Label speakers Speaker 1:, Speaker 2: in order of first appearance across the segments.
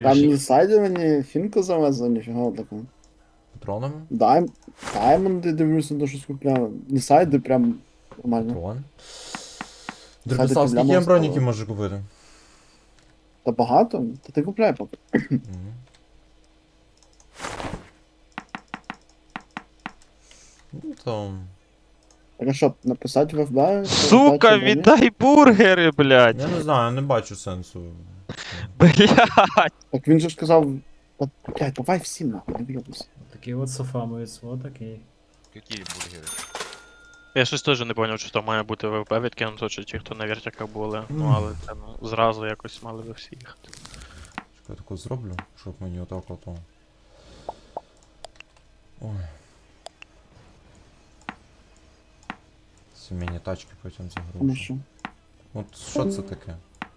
Speaker 1: Там не сайдовані, фінку завезли, ніфіга такого.
Speaker 2: Патронами?
Speaker 1: Даймонди дивлюся, то щось купляли. Не сайди, прям нормально.
Speaker 2: Патрон.
Speaker 1: Сайди
Speaker 2: Дропіслав, скільки
Speaker 1: проблема
Speaker 2: я броніки
Speaker 1: стала.
Speaker 2: можу купити?
Speaker 1: Та багато? Та ти купляй поки.
Speaker 2: Мгм. Ну там.
Speaker 1: Так а що, написати в ФБ, що
Speaker 3: Сука,
Speaker 1: здача броні?
Speaker 3: віддай бургери, блядь.
Speaker 2: Я не знаю, я не бачу сенсу.
Speaker 3: Блядь.
Speaker 1: Так він же ж сказав, та, блядь, давай всім нахуй, не вйобуйся.
Speaker 4: Такий от софамовець, вот такий.
Speaker 5: Какие бургеры?
Speaker 3: Я щось теж не зрозумів, чи там має бути ВВП відкинуто, чи ті, хто на вертяках були. Ну, але це зразу якось мали би всі їхати.
Speaker 2: Чекай, я таку зроблю, щоб мені отак ото. Ой. Сімейні тачки потім
Speaker 1: Тому
Speaker 2: загрушу.
Speaker 1: що.
Speaker 2: От що це таке?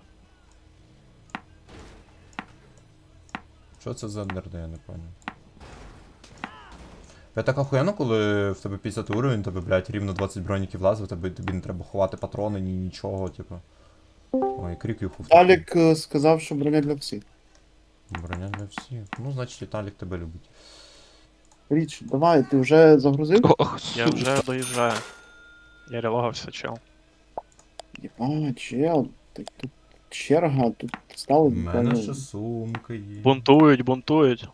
Speaker 2: Що це за нерди, я не пам'ятаю. Я так охуєнно, коли в тебе 50 уровень, тебе, блядь, рівно 20 броніків влазить, тобі не треба ховати патрони, ні нічого, типу. Ой, крик юху.
Speaker 1: Алік сказав, що броня для всіх.
Speaker 2: Броня для всіх. Ну, значить, Віталік тебе любить.
Speaker 1: Річ, давай, ти вже загрузив?
Speaker 3: Ох, я вже доїжджаю. Я релогався, чел.
Speaker 1: Єба, чел, тут черга, тут стало
Speaker 2: У мене
Speaker 1: буквально.
Speaker 2: ще сумка є.
Speaker 3: Бунтують, бунтують.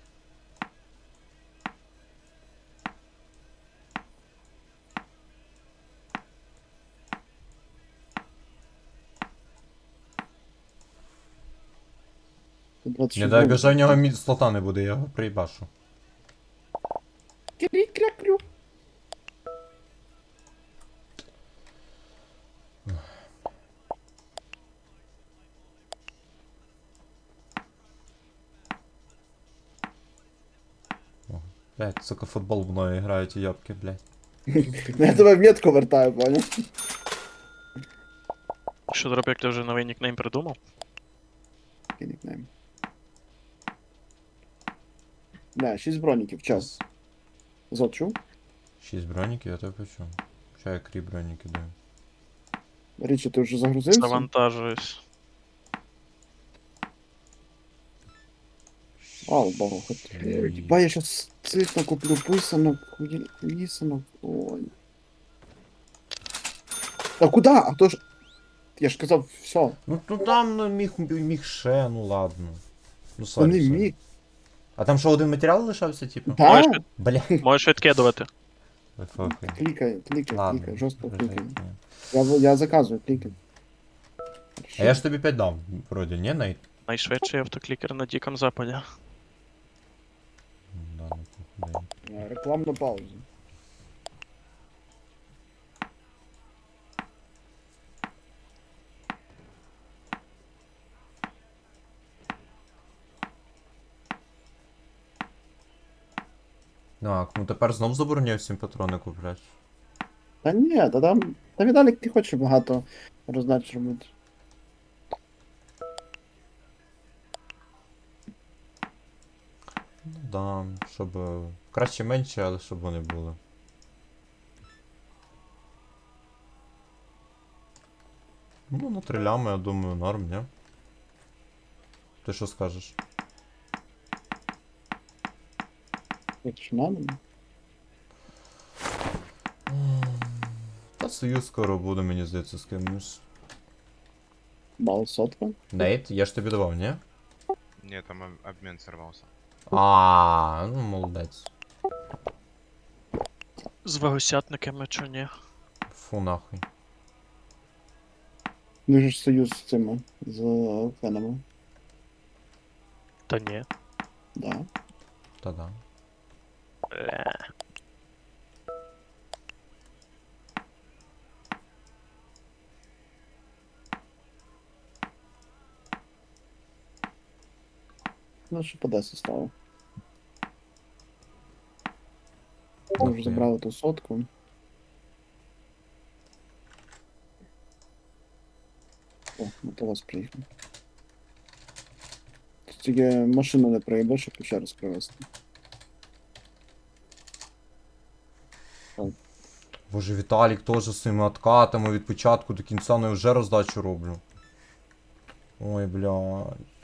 Speaker 1: Тут 26
Speaker 2: Не дай
Speaker 1: бронь.
Speaker 2: бажа в нього слота не буде, я його приїбашу.
Speaker 1: Крі-кря-крю.
Speaker 2: Блядь, сука, футбол мною грають і йобки, блядь.
Speaker 1: Ну, я тебе в метку вертаю, понял?
Speaker 3: Що, Дробяк, ти вже новий нікнейм придумав?
Speaker 1: Який нікнейм. Бля, 6 броніків, час. Зот чув?
Speaker 2: 6 броніків, я тебе почув. Ща я крі броніки даю.
Speaker 1: Річі, ти вже загрузився?
Speaker 3: Завантажуюсь.
Speaker 1: Слава Богу, хоч. Єба, я щас цих накуплю писанок, лісанок, ой. Та куда? А то ж... Я ж казав, все.
Speaker 2: Ну там ну, міг ще, ну ладно. Ну
Speaker 1: Та
Speaker 2: сорі,
Speaker 1: не
Speaker 2: сорі.
Speaker 1: міг.
Speaker 2: А там що один матеріал лишався, типу?
Speaker 1: Да?
Speaker 3: Можеш від-
Speaker 2: Бля.
Speaker 3: Можеш відкидувати.
Speaker 2: Фокай.
Speaker 1: Клікай,
Speaker 2: Ладно.
Speaker 1: жорстко
Speaker 2: вже
Speaker 1: клікай.
Speaker 2: ні.
Speaker 1: Я заказую, клікай.
Speaker 2: А я ж тобі 5 дав, вроді, ні, Нейт?
Speaker 3: Найшвидший автоклікер на Диком Западі.
Speaker 2: Да, ну похуй.
Speaker 1: Рекламна пауза.
Speaker 2: Так, ну тепер знов забороняю всім патрони купляти.
Speaker 1: Та ні, та Віталік ти хочеш багато роздач робити.
Speaker 2: Ну да, щоб краще менше, але щоб вони були. Ну, на 3 лями, я думаю, норм, ні? Ти що скажеш?
Speaker 1: Якщо надо.
Speaker 2: Та союз скоро буде, мені здається, з кимось.
Speaker 1: Бал сотка.
Speaker 2: Нейт, я ж тобі давав, ні?
Speaker 5: Нет, там обмен сорвался.
Speaker 2: А, ну молодець.
Speaker 3: З вагосятниками чи ні?
Speaker 2: Фу нахуй.
Speaker 1: Дуже ж союз з цими, з фенами.
Speaker 3: Та ні.
Speaker 1: Да.
Speaker 2: Та-да.
Speaker 3: Бля.
Speaker 1: Ну, що по 10 стало. Ми вже забрали ту сотку. О, мотовоз приїхав. Тільки машину не проїбе, щоб ще раз привезти.
Speaker 2: Боже, Віталік теж з цими откатами від початку до кінця, ну я вже роздачу роблю. Ой, блядь.